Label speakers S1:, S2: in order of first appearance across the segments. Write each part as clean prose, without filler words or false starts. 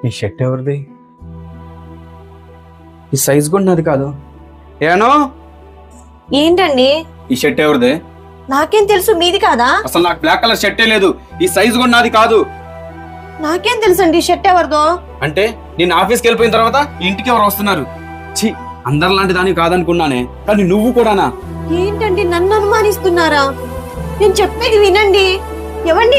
S1: ఈ షర్ట్ ఎవరిది? ఈ సైజ్ కూడా నాది కాదు. ఏనో
S2: ఏంటండి?
S1: ఈ షర్ట్ ఎవరిది?
S2: నాకేం తెలుసు, మీది కాదా?
S1: అసలు నాకు బ్లాక్ కలర్ షర్టే లేదు. ఈ సైజ్ కూడా నాది కాదు.
S2: నాకేం తెలుసండి షర్ట్ ఎవరిదో.
S1: అంటే నేను ఆఫీస్కి వెళ్ళిపోయిన తర్వాత ఇంటికి ఎవరు వస్తున్నారు? ఛీ, అందరిలాంటి దాన్ని కాదనుకున్నానే, కానీ నువ్వు కూడానా?
S2: ఏంటండి నన్ను అనుమానిస్తున్నారా? నేను చెప్పేది వినండి. ఎవండి?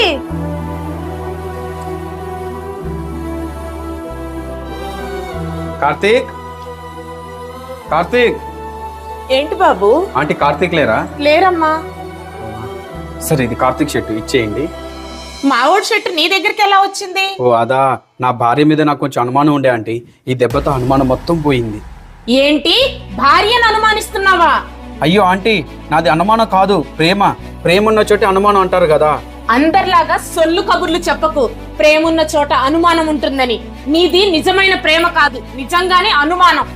S1: కార్తీక్, కార్తీక్.
S3: ఏంటి బాబు?
S1: ఆంటీ కార్తీక్ లేరా?
S3: లేరమ్మా.
S1: సరే, ఇది కార్తీక్ షర్ట్ ఇచ్చేయండి.
S3: మావోడి షర్ట్ నీ దగ్గరికి ఎలా వచ్చింది?
S1: ఓ అదా, నా భార్య మీద నాకు కొంచెం అనుమానం ఉండే ఆంటీ. ఈ దెబ్బతో అనుమానం మొత్తం పోయింది.
S3: ఏంటి, భార్యను అనుమానిస్తున్నావా?
S1: అయ్యో ఆంటీ, నాది అనుమానం కాదు, ప్రేమ. ప్రేమ ఉన్న చోట అనుమానం అంటారు కదా.
S3: అందరిలాగా సొల్లు కబుర్లు చెప్పకు. ప్రేమున్న చోట అనుమానం ఉంటుందని. నీది నిజమైన ప్రేమ కాదు, నిజంగానే అనుమానం.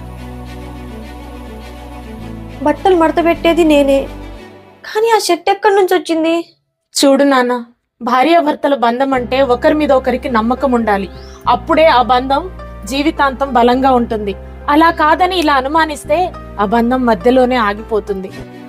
S2: బట్టలు మడత పెట్టేది నేనే, కానీ ఆ షర్ట్ ఎక్కడి నుంచి వచ్చింది?
S3: చూడు నాన్న, భార్యాభర్తల బంధం అంటే ఒకరి మీద ఒకరికి నమ్మకం ఉండాలి. అప్పుడే ఆ బంధం జీవితాంతం బలంగా ఉంటుంది. అలా కాదని ఇలా అనుమానిస్తే ఆ బంధం మధ్యలోనే ఆగిపోతుంది.